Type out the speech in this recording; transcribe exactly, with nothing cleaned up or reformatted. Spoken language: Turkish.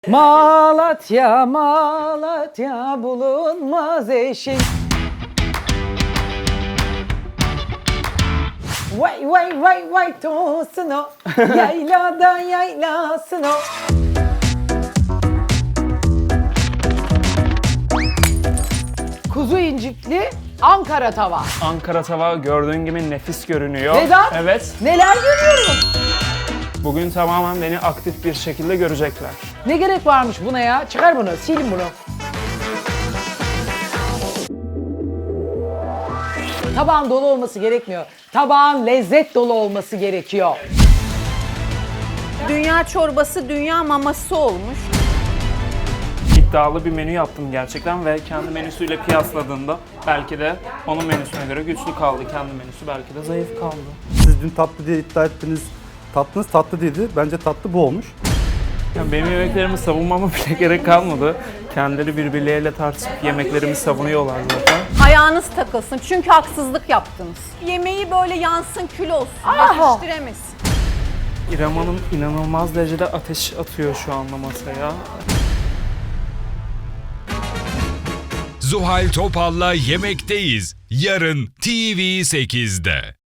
Malatya, Malatya bulunmaz eşin. Vay vay vay vay tosun o, yaylada yaylasın o. Kuzu incikli Ankara tava. Ankara tava gördüğün gibi nefis görünüyor. Vedat, Evet. neler görüyorum? Bugün tamamen beni aktif bir şekilde görecekler. Ne gerek varmış buna ya? Çıkar bunu, silin bunu. Tabağın dolu olması gerekmiyor. Tabağın lezzet dolu olması gerekiyor. Dünya çorbası dünya maması olmuş. İddialı bir menü yaptım gerçekten ve kendi menüsüyle kıyasladığında belki de onun menüsüne göre güçlü kaldı. Kendi menüsü belki de zayıf kaldı. Siz dün tatlı diye iddia ettiniz. Tatlınız tatlı değildi. Bence tatlı bu olmuş. Yani benim yemeklerimi savunmama bile gerek kalmadı. Kendileri birbirleriyle tartışıp yemeklerimi savunuyorlar zaten. Ayağınız takılsın çünkü haksızlık yaptınız. Yemeği böyle yansın kül olsun. Yetiştiremesin. İrem Hanım inanılmaz derecede ateş atıyor şu anda masaya. Zuhal Topal'la Yemekteyiz. Yarın T V sekizde.